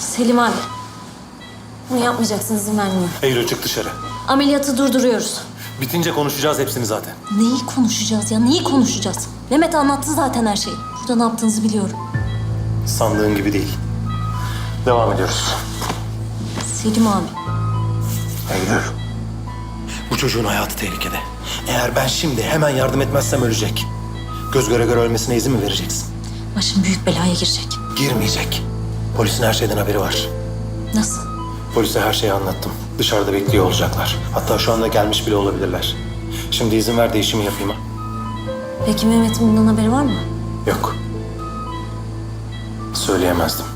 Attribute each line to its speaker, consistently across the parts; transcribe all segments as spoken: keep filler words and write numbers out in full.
Speaker 1: Selim abi. Bunu yapmayacaksın, izin vermiyorum.
Speaker 2: Eylül çık dışarı.
Speaker 1: Ameliyatı durduruyoruz.
Speaker 2: Bitince konuşacağız hepsini zaten.
Speaker 1: Neyi konuşacağız ya? Neyi konuşacağız? Mehmet anlattı zaten her şeyi. Burada ne yaptığınızı biliyorum.
Speaker 2: Sandığın gibi değil. Devam ediyoruz.
Speaker 1: Selim abi.
Speaker 2: Eylül. Bu çocuğun hayatı tehlikede. Eğer ben şimdi hemen yardım etmezsem ölecek. Göz göre göre ölmesine izin mi vereceksin?
Speaker 1: Başım büyük belaya girecek.
Speaker 2: Girmeyecek. Polisin her şeyden haberi var.
Speaker 1: Nasıl?
Speaker 2: Polise her şeyi anlattım. Dışarıda bekliyor olacaklar. Hatta şu anda gelmiş bile olabilirler. Şimdi izin ver de işimi yapayım ha.
Speaker 1: Peki Mehmet'in bundan haberi var mı?
Speaker 2: Yok. Söyleyemezdim.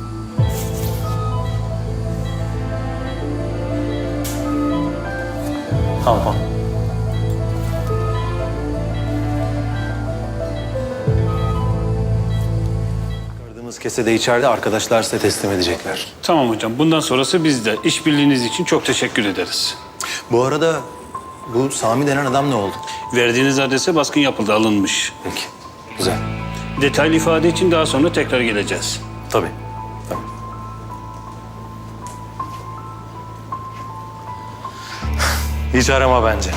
Speaker 2: Tamam. Çıkardığımız kese de içeride, arkadaşlar size teslim edecekler.
Speaker 3: Tamam hocam. Bundan sonrası bizde. İşbirliğiniz için çok teşekkür ederiz.
Speaker 2: Bu arada bu Sami denen adam ne oldu?
Speaker 3: Verdiğiniz adrese baskın yapıldı, alınmış.
Speaker 2: Peki. Güzel.
Speaker 3: Detaylı ifade için daha sonra tekrar geleceğiz.
Speaker 2: Tabii. Tabii. Hiç arama bence.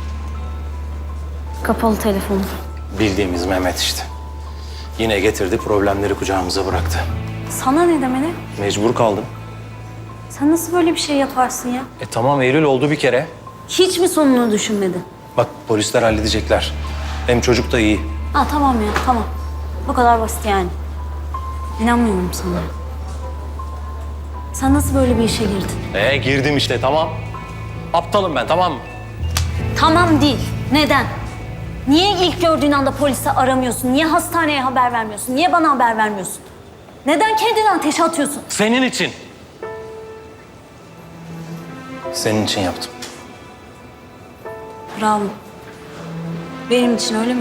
Speaker 1: Kapalı telefonu.
Speaker 2: Bildiğimiz Mehmet işte. Yine getirdi, problemleri kucağımıza bıraktı.
Speaker 1: Sana ne demeli?
Speaker 2: Mecbur kaldım.
Speaker 1: Sen nasıl böyle bir şey yaparsın ya?
Speaker 2: E tamam, Eylül oldu bir kere.
Speaker 1: Hiç mi sonunu düşünmedin?
Speaker 2: Bak polisler halledecekler. Hem çocuk da iyi.
Speaker 1: Ha tamam ya, tamam. Bu kadar basit yani. İnanmıyorum sana. Sen nasıl böyle bir işe girdin?
Speaker 2: E girdim işte, tamam. Aptalım ben, tamam mı?
Speaker 1: Tamam değil. Neden? Niye ilk gördüğün anda polisi aramıyorsun? Niye hastaneye haber vermiyorsun? Niye bana haber vermiyorsun? Neden kendini ateşe atıyorsun?
Speaker 2: Senin için. Senin için yaptım.
Speaker 1: Bravo. Benim için öyle mi?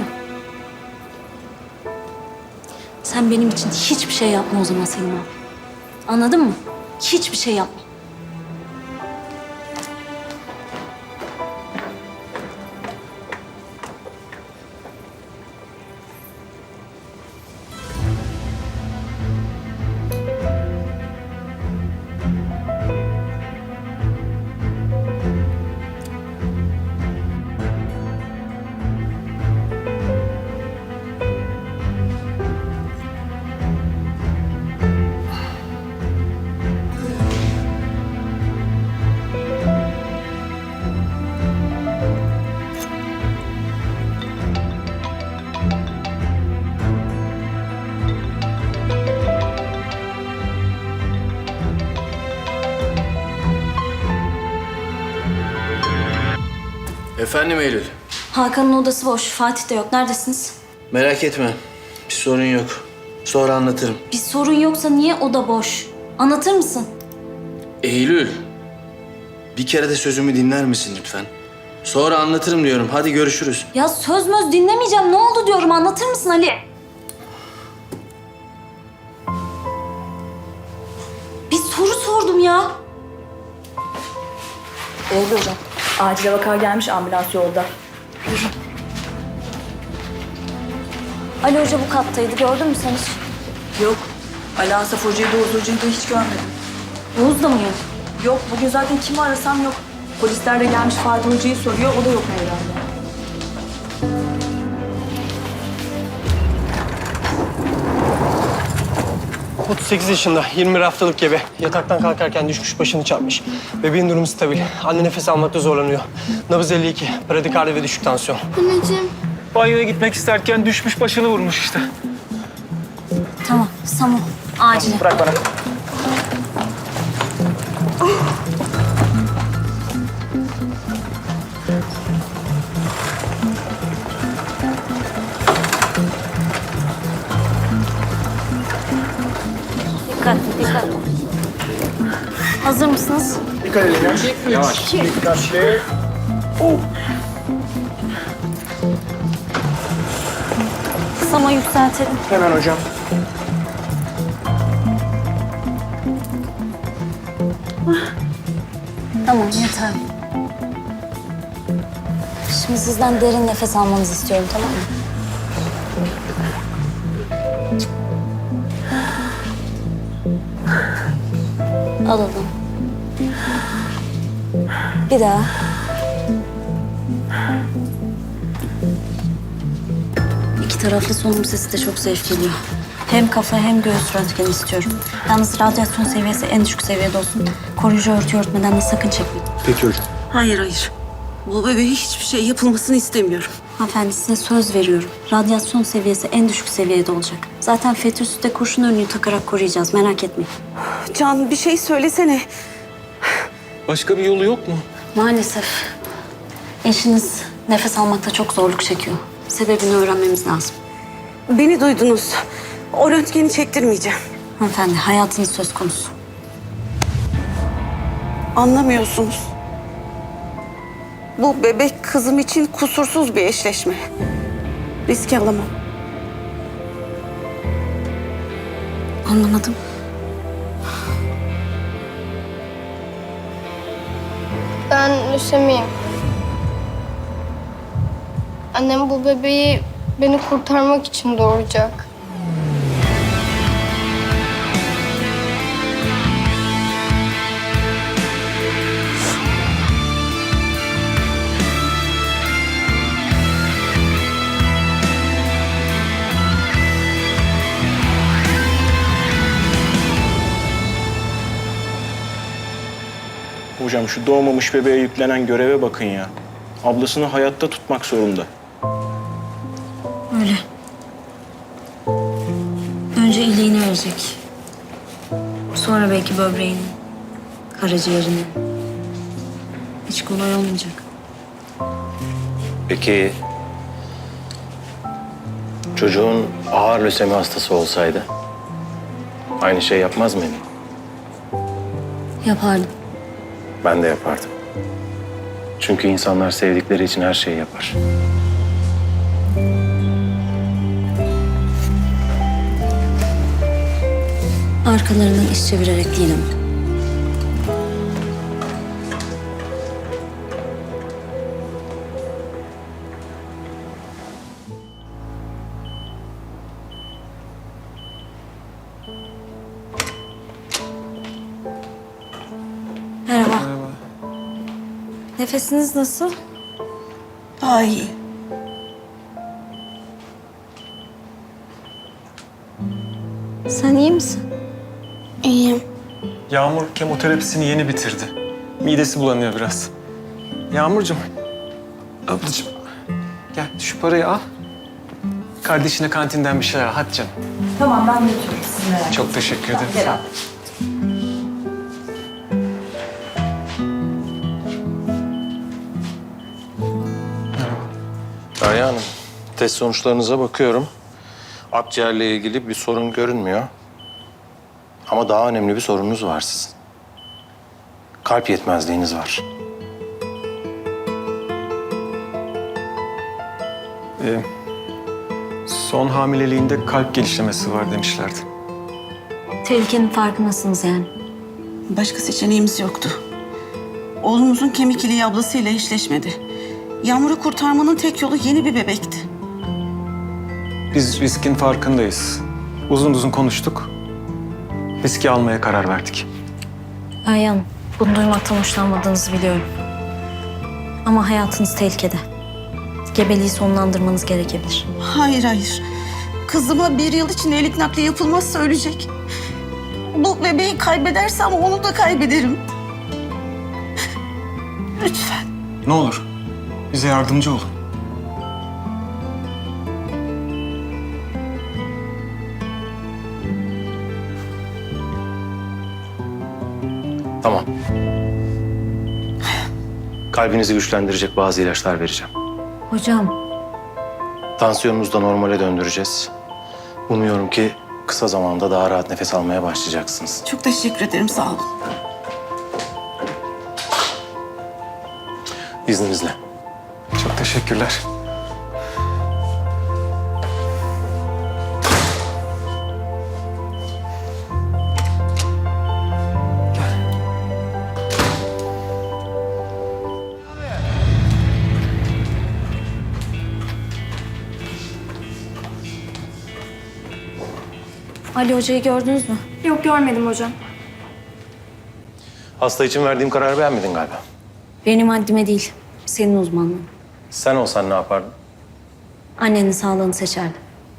Speaker 1: Sen benim için hiçbir şey yapma o zaman Selim abi. Anladın mı? Hiçbir şey yapma.
Speaker 4: Efendim Eylül.
Speaker 1: Hakan'ın odası boş. Fatih de yok. Neredesiniz?
Speaker 4: Merak etme. Bir sorun yok. Sonra anlatırım.
Speaker 1: Bir sorun yoksa niye oda boş? Anlatır mısın?
Speaker 4: Eylül. Bir kere de sözümü dinler misin lütfen? Sonra anlatırım diyorum. Hadi görüşürüz.
Speaker 1: Ya söz möz dinlemeyeceğim. Ne oldu diyorum. Anlatır mısın Ali? Bir soru sordum ya.
Speaker 5: Eylül hocam. Acile vaka gelmiş, ambulans yolda.
Speaker 1: Ali Hoca bu kattaydı. Gördün mü sen hiç?
Speaker 5: Yok. Ali Asaf Hoca'yı da Oğuz Hoca'yı da hiç görmedim.
Speaker 1: Oğuz da mı yok?
Speaker 5: Yok, bugün zaten kimi arasam yok. Polisler de gelmiş Fatih Hoca'yı soruyor, o da yok herhalde.
Speaker 6: otuz sekiz yaşında, yirmi bir haftalık gebe. Yataktan kalkarken düşmüş, başını çarpmış. Bebeğin durumu stabil. Anne nefes almakta zorlanıyor. Nabız elli iki, bradikardi ve düşük tansiyon.
Speaker 7: Anneciğim.
Speaker 6: Banyoya gitmek isterken düşmüş, başını vurmuş işte.
Speaker 1: Tamam. Samu. Acile.
Speaker 6: Bırak bana.
Speaker 1: Dikkat, dikkat. Hazır mısınız?
Speaker 6: Dikkat edin. Yavaş. Dikkatli.
Speaker 1: Sama yükseltelim.
Speaker 6: Hemen hocam.
Speaker 1: Tamam, yeter. Şimdi sizden derin nefes almanızı istiyorum, tamam mı? Alalım. Bir daha. İki taraflı solunum sesi de çok zevk geliyor. Hem kafa hem göğüs röntgeni istiyorum. Yalnız radyasyon seviyesi en düşük seviyede olsun. Koruyucu örtü örtmeden de sakın çekmeyin.
Speaker 2: Peki hocam.
Speaker 7: Hayır hayır. Bu bebeğe hiçbir şey yapılmasını istemiyorum.
Speaker 1: Hanımefendi size söz veriyorum. Radyasyon seviyesi en düşük seviyede olacak. Zaten fetüsüste kurşun önlüğü takarak koruyacağız. Merak etmeyin.
Speaker 7: Can bir şey söylesene.
Speaker 4: Başka bir yolu yok mu?
Speaker 1: Maalesef eşiniz nefes almakta çok zorluk çekiyor. Sebebini öğrenmemiz lazım.
Speaker 7: Beni duydunuz. O röntgeni çektirmeyeceğim.
Speaker 1: Hanımefendi hayatınız söz konusu.
Speaker 7: Anlamıyorsunuz. Bu bebek kızım için kusursuz bir eşleşme. Risk alamam.
Speaker 1: Anlamadım.
Speaker 8: Ben lösemiyim. Annem bu bebeği beni kurtarmak için doğuracak.
Speaker 9: Hocam şu doğmamış bebeğe yüklenen göreve bakın ya. Ablasını hayatta tutmak zorunda.
Speaker 1: Öyle. Önce iliğini verecek. Sonra belki böbreğini, karaciğerini. Hiç kolay olmayacak.
Speaker 2: Peki çocuğun ağır lösemi hastası olsaydı aynı şey yapmaz mıydın?
Speaker 1: Yapardım.
Speaker 2: Ben de yapardım. Çünkü insanlar sevdikleri için her şeyi yapar.
Speaker 1: Arkalarından iş çevirerek değil ama. Merhaba. Merhaba. Nefesiniz nasıl?
Speaker 7: Daha iyi.
Speaker 1: Sen iyi misin?
Speaker 8: İyiyim.
Speaker 10: Yağmur kemoterapisini yeni bitirdi. Midesi bulanıyor biraz. Yağmurcuğum, ablacığım gel şu parayı al. Kardeşine kantinden bir şeyler al. Hadi canım.
Speaker 5: Tamam ben götürürüm sizi merak etmeyin.
Speaker 10: Çok teşekkür ederim.
Speaker 5: Gel al.
Speaker 2: Derya Hanım, test sonuçlarınıza bakıyorum. Akciğerle ilgili bir sorun görünmüyor. Ama daha önemli bir sorununuz var sizin. Kalp yetmezliğiniz var.
Speaker 10: Ee, son hamileliğinde kalp genişlemesi var demişlerdi.
Speaker 1: Tehlikenin farkındasınız yani.
Speaker 7: Başka seçeneğimiz yoktu. Oğlumuzun kemik iliği ablasıyla eşleşmedi. Yağmur'u kurtarmanın tek yolu yeni bir bebekti.
Speaker 10: Biz riskin farkındayız. Uzun uzun konuştuk. Riski almaya karar verdik.
Speaker 1: Ayhan, bunu duymaktan hoşlanmadığınızı biliyorum. Ama hayatınız tehlikede. Gebeliği sonlandırmanız gerekebilir.
Speaker 7: Hayır hayır. Kızıma bir yıl için elik nakli yapılmazsa ölecek. Bu bebeği kaybedersem onu da kaybederim. Lütfen.
Speaker 10: Ne olur bize yardımcı olun.
Speaker 2: Tamam. Kalbinizi güçlendirecek bazı ilaçlar vereceğim.
Speaker 1: Hocam,
Speaker 2: Tansiyonunuzu da normale döndüreceğiz. Umuyorum ki kısa zamanda daha rahat nefes almaya başlayacaksınız.
Speaker 7: Çok teşekkür ederim, sağ olun.
Speaker 2: İzninizle.
Speaker 10: Çok teşekkürler.
Speaker 1: Ali Hoca'yı gördünüz mü?
Speaker 5: Yok görmedim hocam.
Speaker 2: Hasta için verdiğim kararı beğenmedin galiba.
Speaker 1: Benim haddime değil, senin uzmanlığın.
Speaker 2: Sen olsan ne yapardın?
Speaker 1: Annenin sağlığını seçerdim.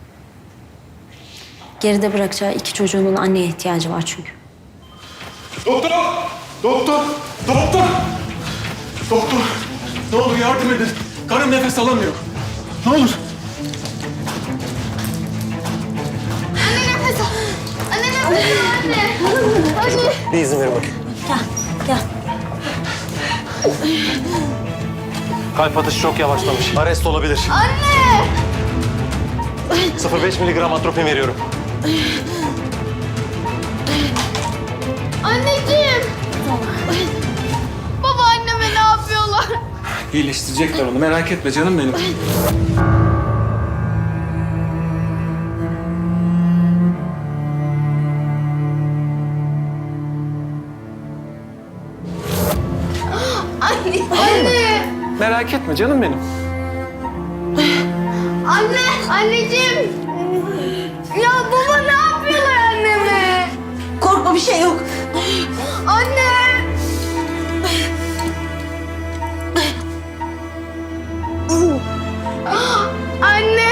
Speaker 1: Geride bırakacağı iki çocuğunun anneye ihtiyacı var çünkü.
Speaker 9: Doktor! Doktor! Doktor! Doktor! Ne olur yardım edin. Karım nefes alamıyor. Ne olur.
Speaker 8: Anne nefes al. Anne nefes al anne. Anne.
Speaker 2: Bir izin verin bakayım.
Speaker 1: Gel, gel.
Speaker 2: Kalp atışı çok yavaşlamış. Arrest olabilir.
Speaker 8: Anne.
Speaker 2: sıfır virgül beş miligram atropin veriyorum.
Speaker 8: Anneciğim. Baba anneme ne yapıyorlar?
Speaker 10: İyileştirecekler onu. Merak etme canım benim.
Speaker 8: Anne. Anne.
Speaker 10: Merak etme canım benim.
Speaker 8: Anne. Anneciğim. Ya baba ne yapıyorlar anneme?
Speaker 7: Korkma, bir şey yok.
Speaker 8: Anne. Anne.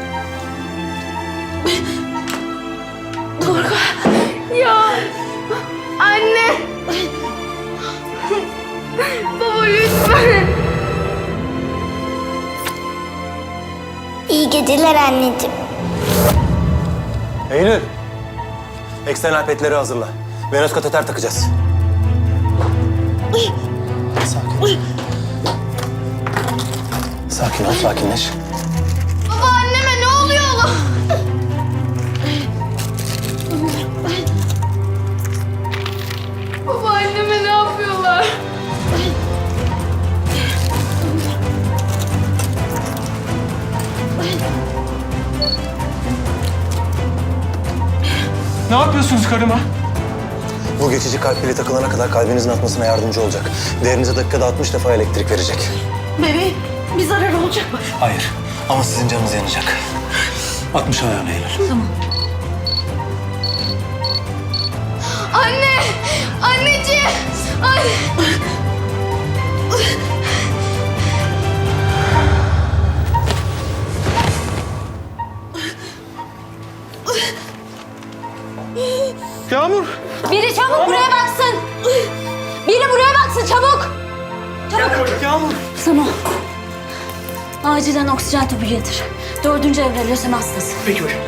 Speaker 7: Doruk.
Speaker 8: Ya. Anne. Baba lütfen. İyi geceler anneciğim.
Speaker 2: Eylül. Eksternal petleri hazırla. Venöz kateter takacağız. Sakin. Sakin ol, sakinleş.
Speaker 8: Baba anneme ne oluyor oğlum? Baba anneme ne yapıyorlar?
Speaker 10: Ne yapıyorsunuz karıma?
Speaker 2: Bu geçici kalp pili takılana kadar kalbinizin atmasına yardımcı olacak. Değerinize dakikada altmış defa elektrik verecek.
Speaker 7: Bebeğim, bir zarar olacak mı?
Speaker 2: Hayır. Ama sizin canınız yanacak. altmış ayağına Eylül.
Speaker 1: Tamam.
Speaker 8: Anne! Anneciğim! Anne!
Speaker 10: Yağmur!
Speaker 1: Biri çabuk buraya baksın. Biri buraya baksın çabuk. Çabuk.
Speaker 10: Yağmur!
Speaker 1: Samo. Acilen oksijen tüpü getir. Dördüncü evre lösemi hastası.
Speaker 10: Peki hocam.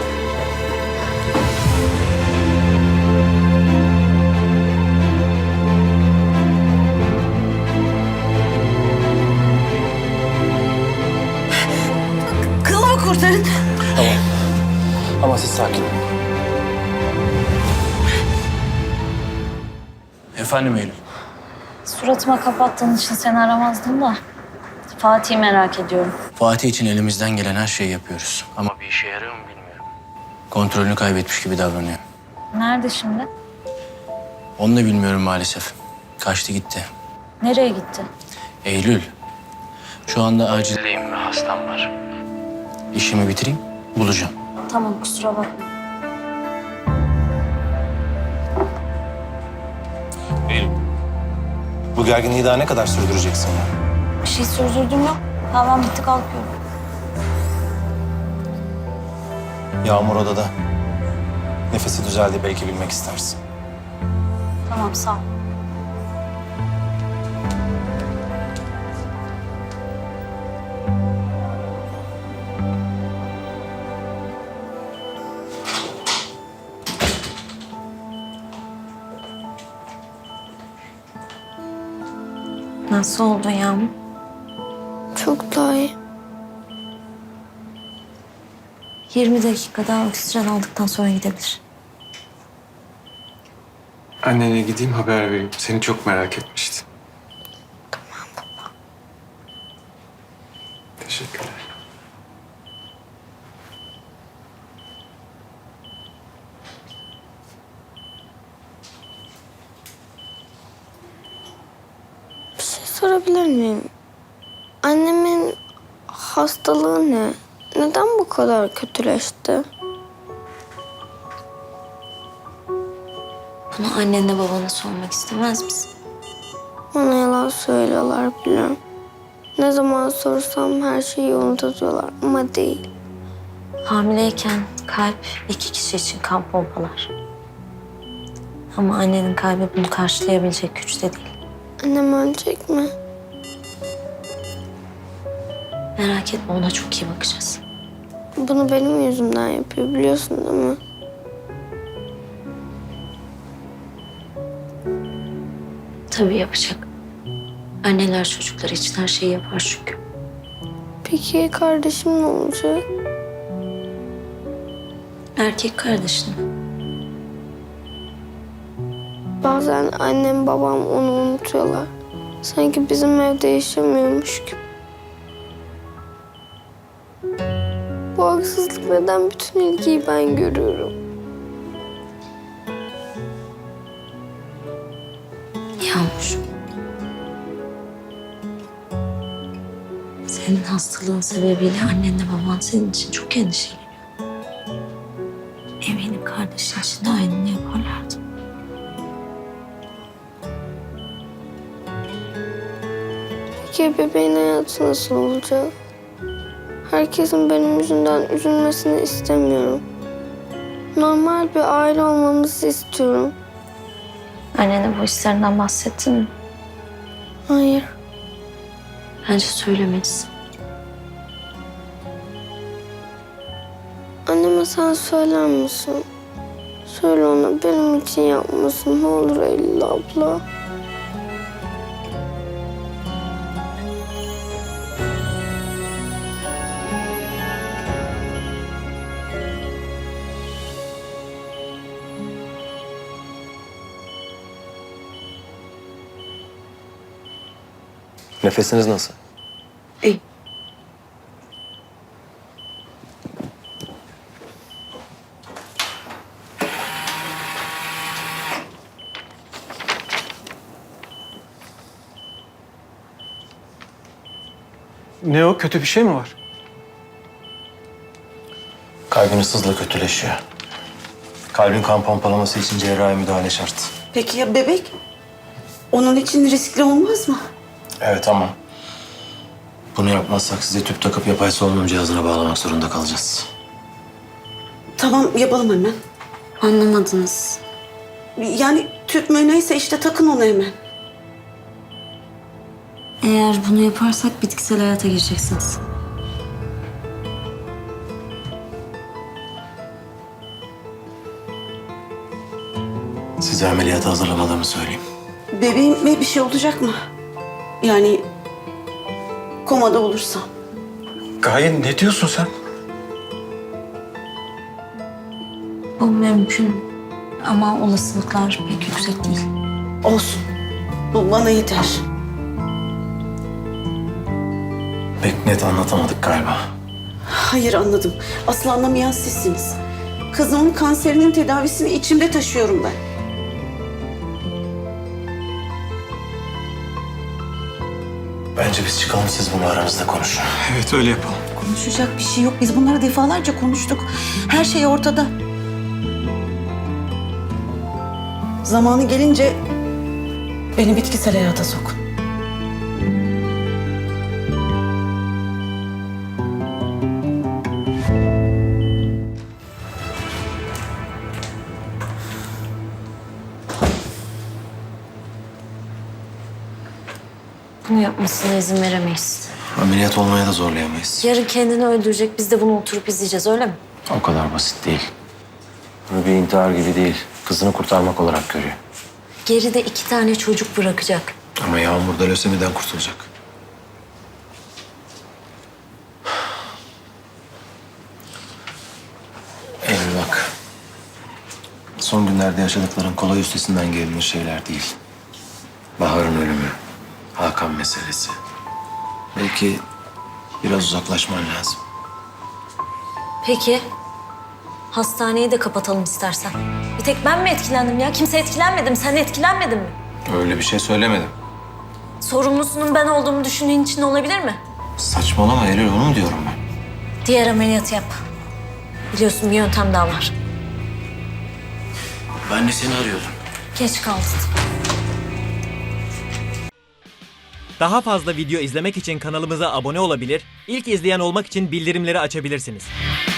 Speaker 7: Kılımı kurtarın.
Speaker 2: Tamam. Ama siz sakin olun.
Speaker 4: Efendim Eylül.
Speaker 1: Suratıma kapattığın için seni aramazdım da. Fatih'i merak ediyorum.
Speaker 4: Fatih için elimizden gelen her şeyi yapıyoruz. Ama bir işe yarıyor mu bilmiyorum. Kontrolünü kaybetmiş gibi davranıyor.
Speaker 1: Nerede şimdi?
Speaker 4: Onu da bilmiyorum maalesef. Kaçtı gitti.
Speaker 1: Nereye gitti?
Speaker 4: Eylül. Şu anda acildeyim ve hastam var. İşimi bitireyim, bulacağım.
Speaker 1: Tamam kusura bakma.
Speaker 2: Bu gerginliği daha ne kadar sürdüreceksin ya?
Speaker 1: Bir şey sürdürdüm yok. Tamam bitti kalkıyorum.
Speaker 2: Yağmur odada. Nefesi düzeldi, belki bilmek istersin.
Speaker 1: Tamam sağ ol. Nasıl oldun Yağmur?
Speaker 8: Çok daha iyi.
Speaker 1: yirmi dakika daha oksijen aldıktan sonra gidebilir.
Speaker 10: Annene gideyim haber vereyim. Seni çok merak etmişti. Tamam baba. Teşekkürler.
Speaker 8: Bir şey sorabilir miyim? Annemin hastalığı ne? Neden bu kadar kötüleşti?
Speaker 1: Bunu Ama annenle babana sormak istemez misin?
Speaker 8: Bana yalan söylüyorlar biliyorum. Ne zaman sorsam her şeyi unutuyorlar ama değil.
Speaker 1: Hamileyken kalp iki kişi için kan pompalar. Ama annenin kalbi bunu karşılayabilecek güçte değil.
Speaker 8: Annem ölecek mi?
Speaker 1: Merak etme, ona çok iyi bakacağız.
Speaker 8: Bunu benim yüzümden yapıyor biliyorsun değil mi?
Speaker 1: Tabii yapacak. Anneler çocukları için her şeyi yapar çünkü.
Speaker 8: Peki kardeşim ne olacak?
Speaker 1: Erkek kardeşine.
Speaker 8: Bazen annem babam onu unutuyorlar. Sanki bizim evde yaşamıyormuş gibi. Bu haksızlık neden bütün ilgiyi ben görüyorum?
Speaker 1: Yağmur. Senin hastalığın sebebiyle annenle baban senin için çok endişeleniyor. Eminim kardeşin için de aynını yaparlardı.
Speaker 8: Peki bebeğin hayatı nasıl olacak? Herkesin benim yüzümden üzülmesini istemiyorum. Normal bir aile olmamızı istiyorum.
Speaker 1: Annene bu hislerinden bahsettin mi?
Speaker 8: Hayır.
Speaker 1: Bence söylemelisin.
Speaker 8: Anneme sen söyler misin? Söyle ona benim için yapmasın ne olur Eylül abla.
Speaker 2: Nefesiniz nasıl?
Speaker 7: İyi.
Speaker 10: Ne o? Kötü bir şey mi var?
Speaker 2: Kalbiniz hızla kötüleşiyor. Kalbin kan pompalaması için cerrahi müdahale şart.
Speaker 7: Peki ya bebek? Onun için riskli olmaz mı?
Speaker 2: Evet ama bunu yapmazsak size tüp takıp yapay solunum cihazına bağlamak zorunda kalacağız.
Speaker 7: Tamam yapalım hemen.
Speaker 1: Anlamadınız.
Speaker 7: Yani tüp mü neyse işte takın onu hemen.
Speaker 1: Eğer bunu yaparsak bitkisel hayata gireceksiniz.
Speaker 2: Size ameliyata hazırlamadığımı söyleyeyim.
Speaker 7: Bebeğime bir şey olacak mı? Yani komada olursa.
Speaker 2: Gaye ne diyorsun sen?
Speaker 1: Bu mümkün ama olasılıklar pek yüksek değil.
Speaker 7: Olsun. Bu bana yeter.
Speaker 2: Pek net anlatamadık galiba.
Speaker 7: Hayır anladım. Asıl anlamayan sizsiniz. Kızımın kanserinin tedavisini içimde taşıyorum ben.
Speaker 2: Bence biz çıkalım, siz bunu aranızda konuşun.
Speaker 10: Evet, öyle yapalım.
Speaker 7: Konuşacak bir şey yok. Biz bunları defalarca konuştuk. Her şey ortada. Zamanı gelince beni bitkisel hayata sokun.
Speaker 1: Bunu yapmasına izin veremeyiz.
Speaker 2: Ameliyat olmaya da zorlayamayız.
Speaker 1: Yarın kendini öldürecek, biz de bunu oturup izleyeceğiz, öyle mi?
Speaker 2: O kadar basit değil. Bunu bir intihar gibi değil, kızını kurtarmak olarak görüyor.
Speaker 1: Geride iki tane çocuk bırakacak.
Speaker 2: Ama Yağmur da lösemiden kurtulacak. Eylül bak. Son günlerde yaşadıkların kolay üstesinden gelinir şeyler değil. Bahar'ın ölümü, Hakan meselesi. Belki biraz uzaklaşman lazım.
Speaker 1: Peki. Hastaneyi de kapatalım istersen. Bir tek ben mi etkilendim ya? Kimse etkilenmedi mi? Sen etkilenmedin mi?
Speaker 2: Öyle bir şey söylemedim.
Speaker 1: Sorumlusunun ben olduğumu düşündüğün için olabilir mi?
Speaker 2: Saçmalama Eylül, onu mu diyorum ben?
Speaker 1: Diğer ameliyatı yap. Biliyorsun bir yöntem daha var.
Speaker 2: Ben de seni arıyordum.
Speaker 1: Geç kaldın.
Speaker 11: Daha fazla video izlemek için kanalımıza abone olabilir, ilk izleyen olmak için bildirimleri açabilirsiniz.